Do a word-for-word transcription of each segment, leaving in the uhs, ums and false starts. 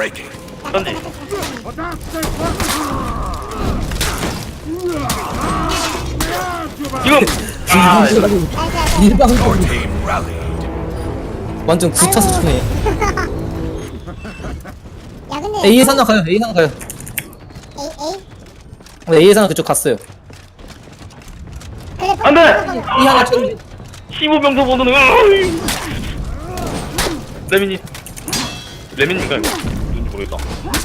breaking. 던지. 지금 아 Your 일방적으로 team rallied. 완전 구차서 총해. 야 근데 A 산나 가요. A 산나 가요. A A 네, A 산나 그쪽 갔어요. 그래 안 돼! E 하나 쳤는데. 십오 병도 보는 레민이 레민인가 이거 누군지 모르겠다.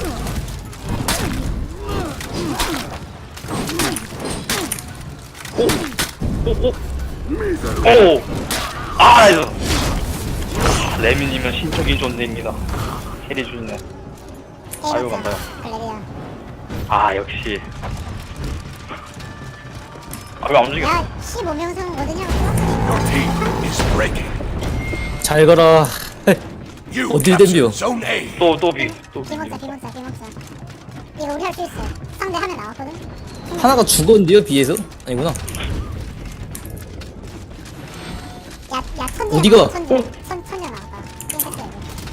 오오오오 아 이거 아, 레민이면 신적인 존재입니다. 캐리 주네. 아이고, 감사해요. 글래리야. 아 역시 아 왜 안 움직여? 야 십오 명상 뭐드냐? Your team is breaking. 잘 가라. You 어딜 captured 덤벼? Zone A. 또또비또 비먹자 비먹자 비먹자. 이거 우리 할 수 있어. 상대 하면 나왔거든. 하나가 죽었는데요, B에서? 아니구나. 야야 천재. 어디가? 천재 천 천재 나왔다. 땡겼어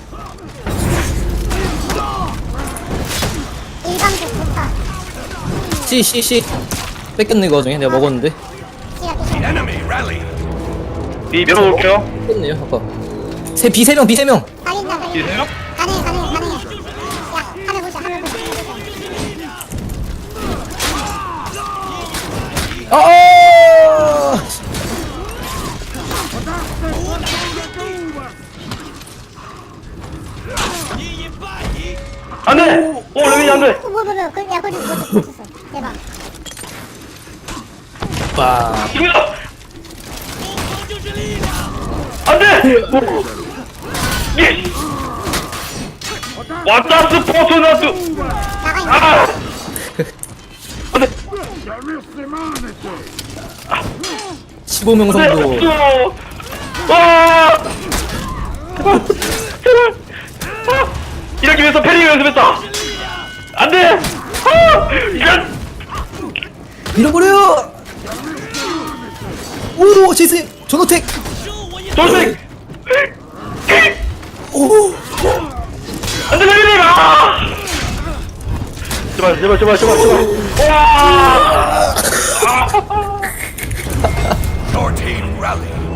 이거. 일방적 좋다. C, C, C. 뺏겼네, 그 와중에. 내가 먹었는데. C가 또 The enemy rallied. 비 밀어볼게요. 뺏겼네요, 아까. 세, B 세 명, B 세 명. 살린다 비 살린다. 세요? 가능해 가능해 가능해. 야 하늘 보자 하늘 보자 하늘 보자. 아, 아! 안돼! 오 레민이 안돼! 어, 뭐, 뭐, 뭐, 그, 야, 거기, 거기, 거기 있어. 대박. 빠. 죽여! 안돼! 예! 왔다 스포트나트! 나가, 있네. 아! 안돼! 십오 명 안돼! 정도. 없어! 와! 제발! 제발! 아! 이렇게 위해서 패링 연습했다! 안돼! 아! 이런! 밀어버려! 오, 제이슨! 전호택! 돌색! 오! 안돼 레민이! 아! 제발 제발 제발 제발 제발! 와! Your team rallied.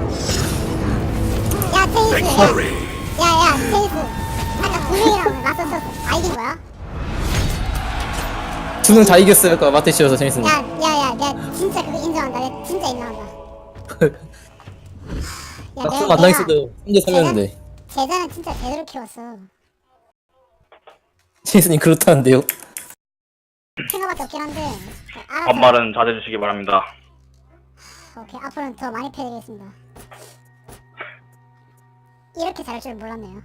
야, 테이스. 야, Victory. 야, 야, 테이스. 아까 두 명이랑 맞섰어. 다 이긴 거야? 두 명 다 이겼어요, 아까 마테시여서 재밌었네. 야, 야, 야, 내가 진짜 그거 인정한다. 내가 진짜 인정한다. 야, 막상 만나 있어도 삼 대 삼이었는데. 제자는 진짜 제대로 키웠어. 제이슨님 그렇다는데요? 생각밖에 없긴 한데. 알아서. 반말은 자제해 주시기 바랍니다. 오케이, 앞으로는 더 많이 패드리겠습니다. 이렇게 잘할 줄 몰랐네요.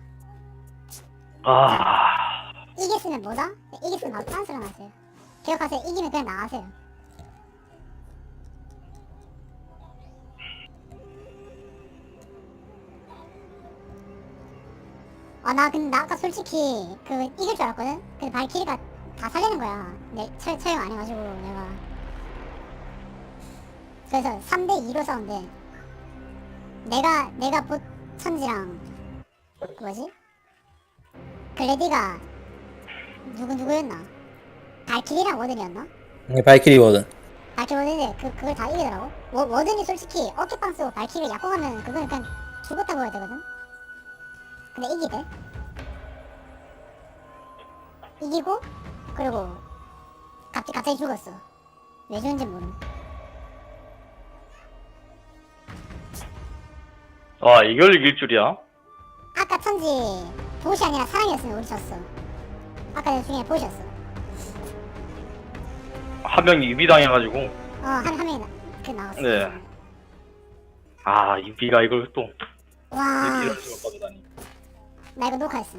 아... 이겼으면 뭐다? 이겼으면 바로 딴소리 나세요. 기억하세요. 이기면 그냥 나가세요. 아, 나 근데 나 아까 솔직히 그 이길 줄 알았거든? 근데 발키리가 다 살리는 거야. 내 처, 처형 안 해가지고 내가. 그래서 삼 대 이로 싸운데 내가 내가 보 천지랑 그 뭐지? 글래디가 누구 누구였나? 발키리랑 워든이었나? 네, 발키리 워든. 발키리 워든인데 그 그걸 다 이기더라고. 워, 워든이 솔직히 어깨빵 쓰고 발키리를 약공하면 그건 그냥 죽었다고 해야 되거든. 근데 이기대. 이기고 그리고 갑자기 갑자기 죽었어. 왜 죽은지 모르. 아 이걸 이길 줄이야? 아까 천지 보시 아니라 사랑이었으면 우리 졌어. 아까 중에 보시였어. 한 명이 유비당해가지고 어한 한 명이 나, 그 나왔어. 네. 아 유비가 이걸 또 와, 이렇게 이럴 수가 빠져다니. 나 이거 녹화했어.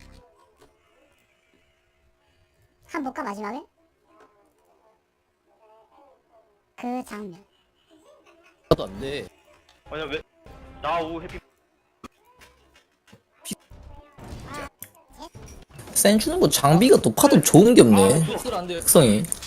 한 볼까 마지막에? 그 장면. 나도 안 돼. 아니야 왜? 나우 해피 센 주는 거 장비가 높아도 좋은 게 없네. 특성이.